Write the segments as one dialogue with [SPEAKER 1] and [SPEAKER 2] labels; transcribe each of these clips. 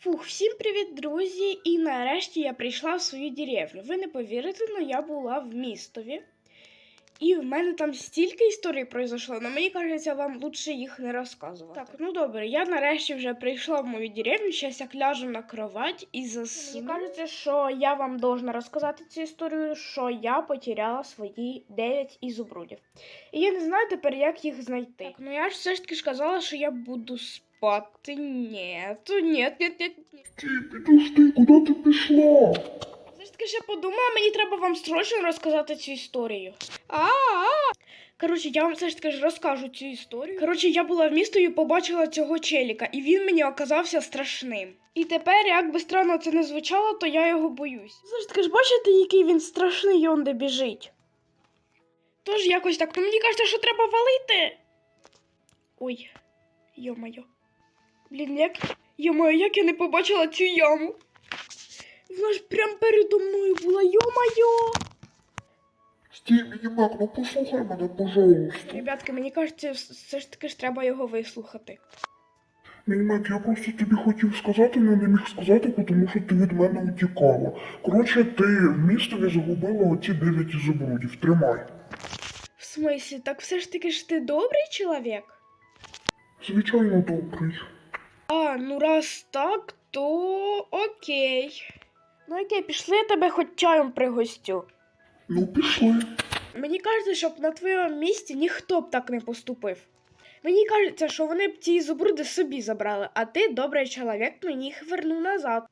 [SPEAKER 1] Фух, всім привіт, друзі! І нарешті я прийшла в свою деревню. Ви не повірите, але я була в містові. І в мене там стільки історій пройшло, але мені кажеться, вам лучше їх не розказувати. Так, ну добре, я нарешті вже прийшла в мою деревню, зараз я ляжу на кровать і засну. Мені кажеться, що я вам должна розказати цю історію, що я потеряла свої 9 ізумрудів. І я не знаю тепер, як їх знайти. Так, ну я ж все ж таки ж казала, що я буду спати. Нет.
[SPEAKER 2] Підожди, куди ти пішла?
[SPEAKER 1] Все ж таки ще подумала, мені треба вам срочно розказати цю історію. Коротше, я вам все ж таки ж розкажу цю історію. Коротше, я була в місті і побачила цього челіка, і він мені оказався страшним. І тепер, як би странно це не звучало, то я його боюсь. Все ж таки ж бачите, який він страшний, он де біжить. Тож якось так, ну мені кажеться, що треба валити. Ой, йо-моє. Блін, як я не побачила цю яму. Вона ж прям передо мною була, йо-моє.
[SPEAKER 2] Стій, Мінімак, ну послухай мене, пожалуйста.
[SPEAKER 1] Ребятки, мені кажеться, все ж таки ж треба його вислухати.
[SPEAKER 2] Мінімак, я просто тобі хотів сказати, але не міг сказати, тому що ти від мене утікала. Коротше, ти в містові загубила оці 9 ізумрудів. Тримай.
[SPEAKER 1] В смислі, так все ж таки ж ти добрий чоловік?
[SPEAKER 2] Звичайно, добрий.
[SPEAKER 1] Ну раз так, то окей. Ну окей, пішли, я тебе хоч чаєм пригостю.
[SPEAKER 2] Ну, пішли.
[SPEAKER 1] Мені кажеться, щоб на твоєму місці ніхто б так не поступив. Мені кажеться, що вони б ці ізумруди собі забрали, а ти, добрий чоловік, мені їх вернув назад.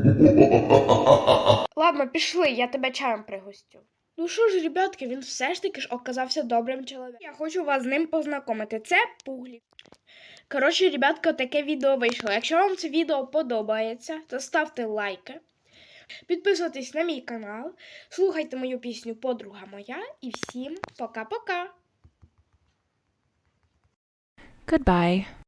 [SPEAKER 1] Ладно, пішли, я тебе чаєм пригостю. Ну що ж, ребятки, він все ж таки ж оказався добрим чоловіком. Я хочу вас з ним познайомити. Це Пуглі. Коротше, ребятка, таке відео вийшло. Якщо вам це відео подобається, то ставте лайки. Підписуйтесь на мій канал, слухайте мою пісню «Подруга моя» і всім пока-пока!
[SPEAKER 3] Goodbye.